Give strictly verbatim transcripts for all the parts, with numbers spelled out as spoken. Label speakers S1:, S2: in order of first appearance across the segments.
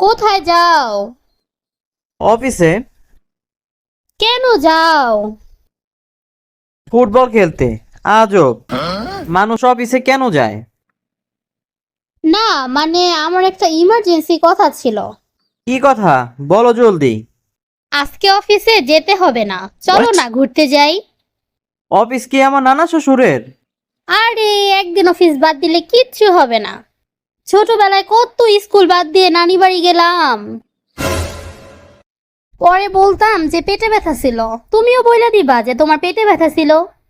S1: কোথায় যাও?
S2: অফিসে।
S1: কেন যাও?
S2: ফুটবল খেলতে। আজব, মানুষ অফিসে কেন যায়?
S1: না মানে আমার একটা ইমার্জেন্সি কথা ছিল।
S2: কি কথা বলো জলদি।
S1: আজকে অফিসে যেতে হবে না, চলো
S2: What?
S1: না ঘুরতে যাই।
S2: অফিস কি আমার নানা শ্বশুরের?
S1: আরে একদিন অফিস বাদ দিলে কিচ্ছু হবে না। ছোটবেলায় কত স্কুল বাদ দিয়ে নানি বাড়ি গেলাম। পরে বলতাম যে পেটে ব্যথা ছিল, তুমিও বইলা দিবা যে তোমার পেটে ব্যথা ছিল।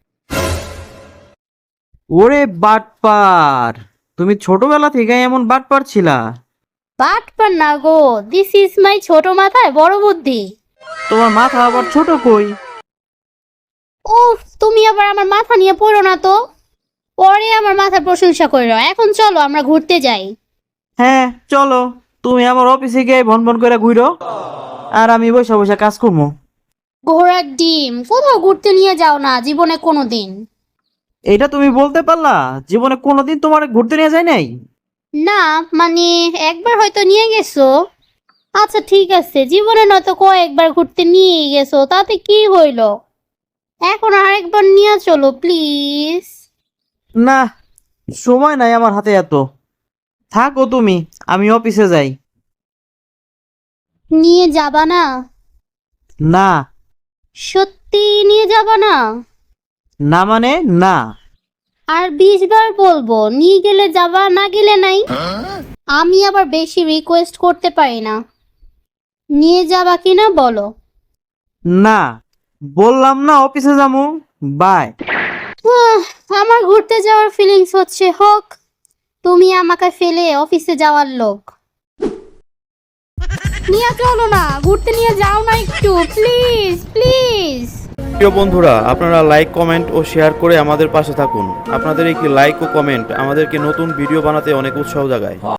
S2: ওরে বাটপার, তুমি ছোটবেলা থেকে এমন বাটপার ছিলা?
S1: বাটপার না গো, দিস ইজ মাই ছোট মাথায় বড় বুদ্ধি।
S2: তোমার মাথা আবার ছোট কই?
S1: উফ, তুমি আবার আমার মাথা নিয়ে পড়ো না তো। পরে আমার মাথার প্রশংসা করো, এখন চলো আমরা ঘুরতে যাই।
S2: হ্যাঁ চলো, তুমি আমার অফিসে গিয়ে ভন ভন করে ঘুরো, আর আমি বসে বসে কাজ করবো।
S1: ঘোড়ার ডিম, কোথাও ঘুরতে নিয়ে যাও না জীবনে কোনোদিন।
S2: এটা তুমি বলতে পারলা? জীবনে কোনোদিন তোমার ঘুরতে নিয়ে যায় নাই?
S1: না মানে একবার হয়তো নিয়ে গেছো। আচ্ছা ঠিক আছে, জীবনে নয়তো কয়েকবার ঘুরতে নিয়ে গেছো, তাতে কি হইলো? এখন আরেকবার নিয়ে চলো প্লিজ।
S2: না, সময় নাই আমার হাতে এত। থাকো তুমি, আমি অফিসে যাই।
S1: নিয়ে যাবা না?
S2: না।
S1: সত্যি নিয়ে যাবা না?
S2: না মানে না।
S1: আর বিশ বার বলবো, নিয়ে গেলে যাবা, না গেলে নাই। আমি আবার বেশি রিকোয়েস্ট করতে পারি না। নিয়ে যাবা কিনা বলো।
S2: না, বললাম না অফিসে যাবো। বাই।
S1: আহ, আমার ঘুরতে যাওয়ার ফিলিংস হচ্ছে, হোক। তুমি আমাকে ফেলে অফিসে যাওয়ার লোক। নিয়ে চলো না, ঘুরতে নিয়ে যাও না একটু, প্লিজ প্লিজ।
S3: প্রিয় বন্ধুরা, আপনারা লাইক, কমেন্ট ও শেয়ার করে আমাদের পাশে থাকুন। আপনাদের একটি লাইক ও কমেন্ট আমাদেরকে নতুন ভিডিও বানাতে অনেক উৎসাহ জাগায়।